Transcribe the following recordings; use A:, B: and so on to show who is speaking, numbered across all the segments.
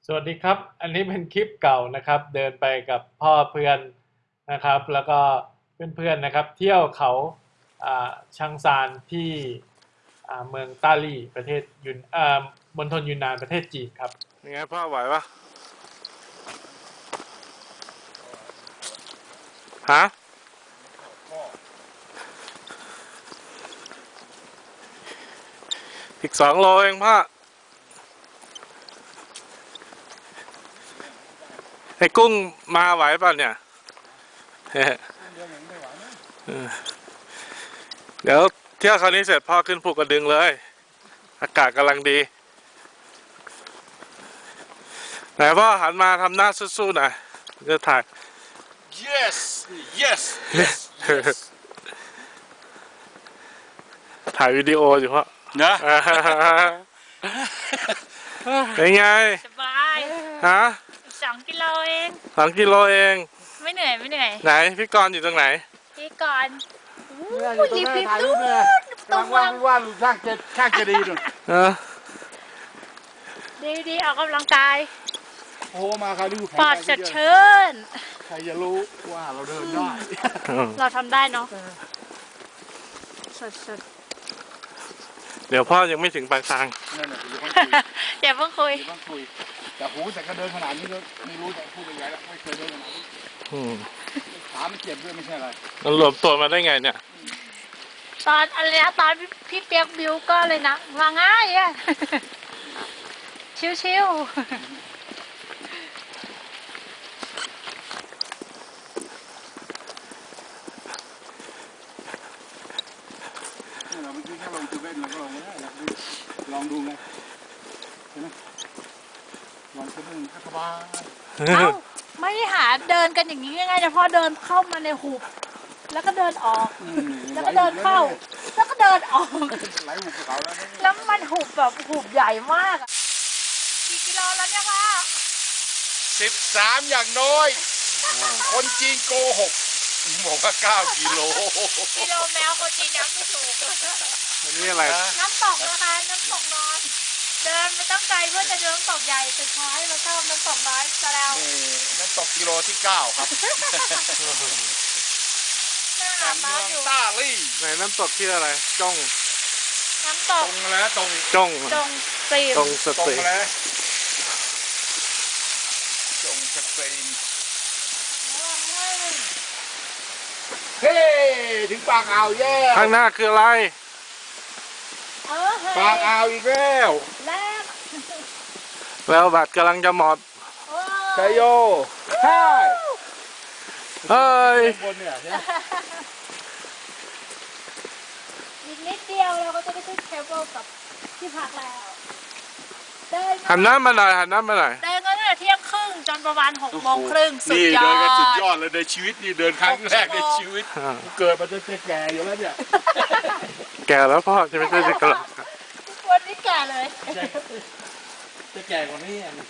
A: สวัสดีครับ อันนี้เป็นคลิปเก่านะครับ เดินไปกับพ่อเพื่อนนะครับ แล้วก็เพื่อนๆนะครับ เที่ยวเขาชังซานที่เมืองต้าลี่ประเทศมณฑลยูนนานประเทศจีนครับ
B: ยังไงพ่อไหวปะฮะอีก2 โลเองพ่อไอ้กุ้งมาไหวป่ะเนี่ยเดี๋ยวเที่ยวคราวนี้เสร็จพ่อขึ้นภูกระดึงเลยอากาศกำลังดีไหนพ่อหันมาทำหน้าสู้ๆหน่อยจะถ่าย
C: Yes yes yes yes
B: ถ่ายวิดีโออยู่พ่อ
C: นะ
B: เป็นไง
D: สบาย
B: ฮะ
D: 2 กิโลเอง
B: 2 กิโลเอง
D: ไม่เหนื่อยไม่เหนื่อย
B: ไหนพี่กรณ์อยู่ตรงไหน
D: พี่ก่อน
C: เนี่ยอยู่ตรงนั้นถ่ายรูปเนี่ยกำลังว่าดช่างจะดีหน่อย
D: ดีออกกำลังกาย
C: โอ้มาคราวนี้แข็ง
D: ปอด
C: แรง
D: สดชื่น
C: ใครจะรู้ว่าเราเดินได้
D: เราทำได้เนาะสด
B: เดี๋ยวพ่อยังไม่ถึงปลายทาง
C: นั่นแหละอย่าเพิ่งคุย
D: ๆอย่าเพิ่งคุย
C: อย่าเพิ่งคุยแต่หูแต่ก็เดินขนาดนี้ก็ไม่รู้จะพูดยังไงแล้วไม่เคยเดินขนาดนี้ขามันเจ็บด้วยไม่ใช่อะไร
B: มันรวมตัวมาได้ไงเนี่ย
D: ตอนอะไรนะตอนพี่เปียกบิวก็เลยนะว่าง่ายอะ ชิว
C: เราเมื่อกี้แค่ลองจูเว่นเราก็ลองไม่ได้นะลองดูไงใช่ไหมลองจูเว่นก็สบาย
D: ๆเอ้าไม่ได้หาเดินกันอย่างนี้ง่ายๆนะพ่อเดินเข้ามาในหุบแล้วก็เดินออก แล้วก็เดินเข้า แล้วก็เดินออก
C: ไหลหุบเขาแล้วนะ
D: แล้วมันหุบแบบหุบใหญ่มากอะกี่กิโลแล้วเนี่ยพ่อ
C: 13อย่างน้อย คนจีนโกหกบอกว่า9 กิโล
D: กิโลแมวคนจีนนับไม่ถูก
B: อันนี้อะไร
D: น้ำตกนะคะน้ำตกนอน เดินไม่ต้องไกลเพื่อจะเดินน้ำตกใหญ่สุดท้ายเราชอบน้ำตกน้อยซะแล้ว
C: นี่นั่นตกกิโลที่ 9 ครับ
D: น่าอาบน้ำอยู่
C: ต้าลี่
B: ไหนน้ำตกที่อะไร จ้อง
D: น้ำต
C: ต
D: ก
C: รงแล้วตรง
B: จ้อง
D: จงซีม
B: ตรงส
C: ตรง
B: ติ
C: แล้วจงสเปนเฮ้ถึงปากอ่าวแย่
B: ข้างหน้าคืออะไร
D: เออเฮ้ย
C: ปากอ่าวอีกแล้ว
D: แรก
B: แล้วบัตรกำลังจะหมด
D: โอ้
C: ชัยโยใช่
B: เฮ้ย
C: บนเนี่ยใช่ไหม
D: อีกนิดเดียวเราก็จะได้ขึ้นเคเบิลกับที่พักแล้วเดิน
B: หันหน้ามาหน่อยหันหน้ามาหน่อย
D: เดินกันตั้งแต่เที่ยงครึ่งจนประมาณ6 โมงครึ่งสุด
C: นี่
D: ยอ
C: เดินกันสุดยอ
D: ด
C: ดเลยในชีวิตนี่เดินครั้งแรกในชีวิตกูเกิดมาจะแก่อยู่แล้วเนี่ย
B: แก่แล้วพ่อจะไม่ใช่เด็กกระหล่ำ
D: วันนี้แก่เลย
C: จะแก่กว่านี้อ่ะ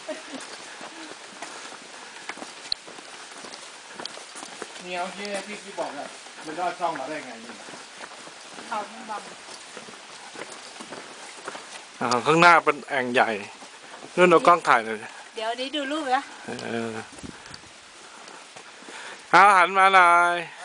C: นี่เอาที่บอกอะมันรอดช่องมาได้ไงนี่
D: เขาไม่บัง
B: ข้างหน้าเป็นแอ่งใหญ่นู่นเอากล้องถ่ายเลย
D: เดี๋ยวนี้ดูรูปนะ
B: เอาหันมาหน่อย